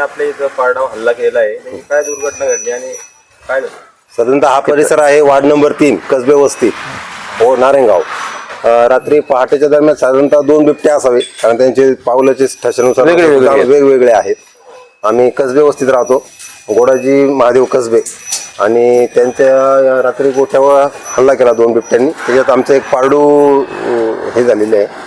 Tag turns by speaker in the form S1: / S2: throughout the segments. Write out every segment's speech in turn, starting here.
S1: आपल्या इथं पारडाव हल्ला केला आहे, नेमकी काय दुर्घटना घडली आणि काय झालं?
S2: साधारणतः हा परिसर आहे वार्ड नंबर 3 कसबे वस्ती हो नारायणगाव. रात्री पहाटेच्या दरम्यान साधारणतः 2 बिबटे असावे, कारण त्यांचे पावलाचे ठशानुसार वेगवेगळे आहेत. आम्ही कसबे वस्तीत राहतो, गोडाजी महादेव कसबे, आणि त्यांच्या रात्री गोठ्यावर हल्ला केला 2 बिबट्यांनी. त्याच्यात आमचं एक पारडू हे झालेले आहे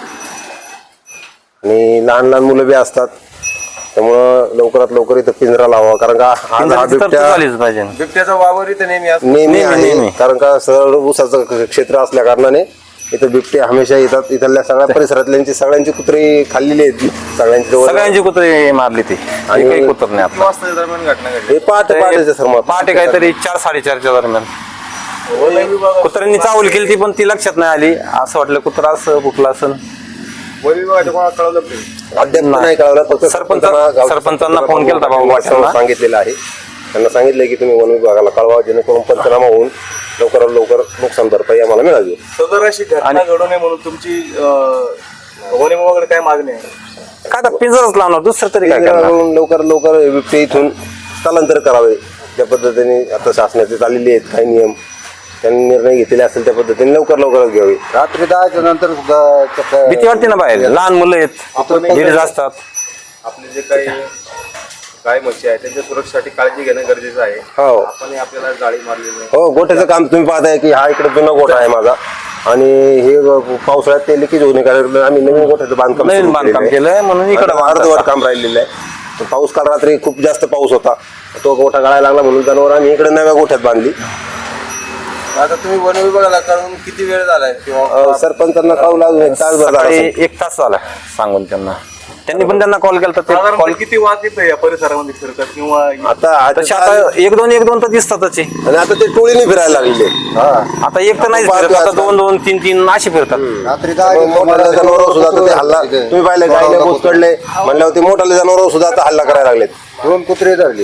S2: आणि लहान लहान मुलं बी असतात, त्यामुळं लवकरात लवकर इथं पिंजरा लावा, कारण का हा
S1: बिबट्याचा वावर इथं
S2: नेहमी आहे, कारण का सरळ ऊसाचं क्षेत्र असल्या कारणाने इथं बिबटे हमेशा येतात. इथल्या सगळ्या परिसरातल्यांची सगळ्यांची कुत्री खाल्लेली आहेत,
S3: सगळ्यांची कुत्री मारली ती आणि काही कुत्र नाही.
S1: किती वाजता दरम्यान घटना घडली?
S2: हे पहाटे सर
S3: पहाटे काहीतरी 4-4:30च्या दरम्यान कुत्र्यांनी चावल केली ती, पण ती लक्षात नाही आली. असं वाटलं कुत्रा असं फुटला असं.
S1: वन विभागाच्या कोणाला कळवलं नाही?
S2: अद्याप नाही कळवलं, फक्त
S3: सरपंचांना फोन केला
S2: होता, सांगितलेलं आहे. त्यांना सांगितलंय की तुम्ही वन विभागाला कळवा, जेणेकरून पंचनामा होऊन लवकरात लवकर नुकसान भरपाई आम्हाला मिळावी.
S1: सदर अशी घटना घडू नये म्हणून तुमची वन विभागाकडे काय मागणी आहे?
S3: काय तर पिंजराच लावणार, दुसरं तरी काय करणार?
S2: लवकरात लवकर बिबटे इथून स्थलांतर करावे. ज्या पद्धतीने आता शासनाचे चाललेले आहेत काही नियम, त्यांनी निर्णय घेतलेले असेल त्या पद्धतीने लवकरच घ्यावे.
S4: रात्री 10च्या नंतर
S3: भीती वाटते ना बाहेर, लहान मुलं आहेत, लेडीज असतात.
S1: आपले जे काही गाय म्हशी आहेत त्यांच्या सुरक्षेसाठी काळजी घेणं गरजेचं आहे.
S2: हो,
S1: आपण आपल्याला जाळी मारलेली आहे.
S2: हो, गोठ्याचं काम तुम्ही पाहताय की हा इकडे जुना गोठा आहे माझा, आणि हे पावसाळ्यात ते लिकेज होणे कारण आम्ही नवीन गोठ्याचं बांधकाम
S3: केलंय म्हणून इकडे
S2: अर्धवट काम राहिलेलं आहे. पाऊस काल रात्री खूप जास्त पाऊस होता, तो गोठा गळायला लागला म्हणून जनावर आम्ही इकडे नव्या गोठ्यात बांधली.
S1: आता तुम्ही वन विभागाला कळून किती वेळ झालाय? किंवा
S2: सरपंचांना कळवलं अजून 1 तास झाला,
S3: 1 तास झाला सांगून त्यांना. त्यांनी पण त्यांना कॉल केला तर
S1: कॉल किती वाज येतं या परिसरामध्ये फिरतात किंवा
S3: आता 1-2 तर दिसतातच.
S2: आणि आता ते टोळीने फिरायला लागले.
S3: आता एक तर नाही फिरत, आता 2-2, 3-3 असे फिरतात.
S4: रात्री
S2: मोठाले जनावर सुद्धा ते हल्ला तुम्ही पाहिलं, गायला घुसकडले म्हणल्यावर ते मोठाले जनावर सुद्धा आता हल्ला करायला लागलेत.
S4: 2 कुत्रे धरले.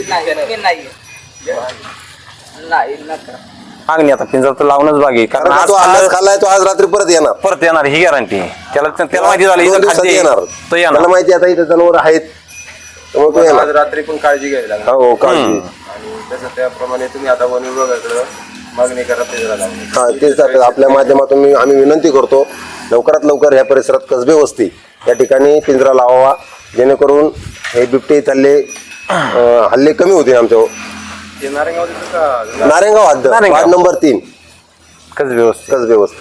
S3: मागणी आता पिंजरा तर लावूनच बाकी, कारण
S2: तो आज खाल्लाय, तो आज रात्री परत येणार
S3: ही गॅरंटी. त्याला माहिती झाली
S2: येणार, त्याला माहिती आता इथे जनावर आहेत, त्यामुळे तो येणार.
S1: आज रात्री पण काळजी घ्यावी लागेल.
S2: हो, काळजी.
S1: आणि तसं त्याप्रमाणे तुम्ही आता वन विभागाकडे मागणी करा पिंजरा लावून.
S2: हा, तेच आपल्या माध्यमातून आम्ही विनंती करतो, लवकरात लवकर ह्या परिसरात कसबे वस्ती या ठिकाणी पिंजरा लावावा, जेणेकरून हे बिबटे इथले हल्ले कमी होतील. आमच्या नारायणगाव हद्द वार्ड नंबर 3
S3: कसबे
S2: वस्ती.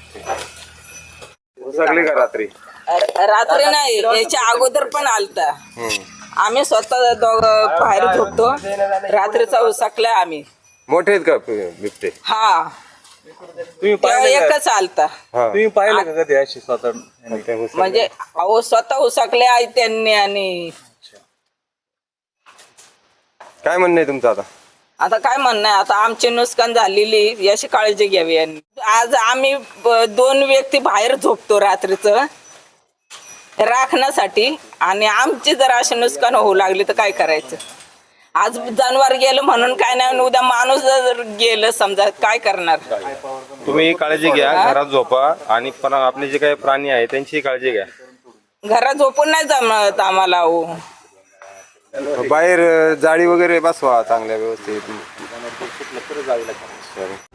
S1: सगळी का रात्री?
S5: रात्री नाही, याच्या अगोदर पण आलता. आम्ही स्वतः दोघं बाहेर झोपतो, रात्रीचा उसकलाय आम्ही.
S1: मोठे आहेत का बिबटे?
S5: हा,
S1: तुम्ही
S5: एकच आलता.
S1: तुम्ही पाहिलं का कधी अशी स्वतः?
S5: म्हणजे अहो स्वतः उसकले आहे त्यांनी. आणि
S1: काय म्हणणं आहे तुमचं आता?
S5: आता काय म्हणणं आहे, आता आमची नुकसान झालेली याची काळजी घ्यावी यांनी. आज आम्ही 2 व्यक्ती बाहेर झोपतो रात्रीचं राखण्यासाठी, आणि आमची जर अशी नुकसान होऊ लागली तर काय करायचं? आज जनावर गेलं म्हणून काय नाही, उद्या माणूस जर गेलं समजा काय करणार?
S1: तुम्ही काळजी घ्या, घरात झोपा, आणि पण आपले जे काही प्राणी आहे त्यांची काळजी घ्या.
S5: घरात झोपून नाही जमत आम्हाला. हो,
S1: बाहेर जाळी वगैरे बसवा चांगल्या व्यवस्थित.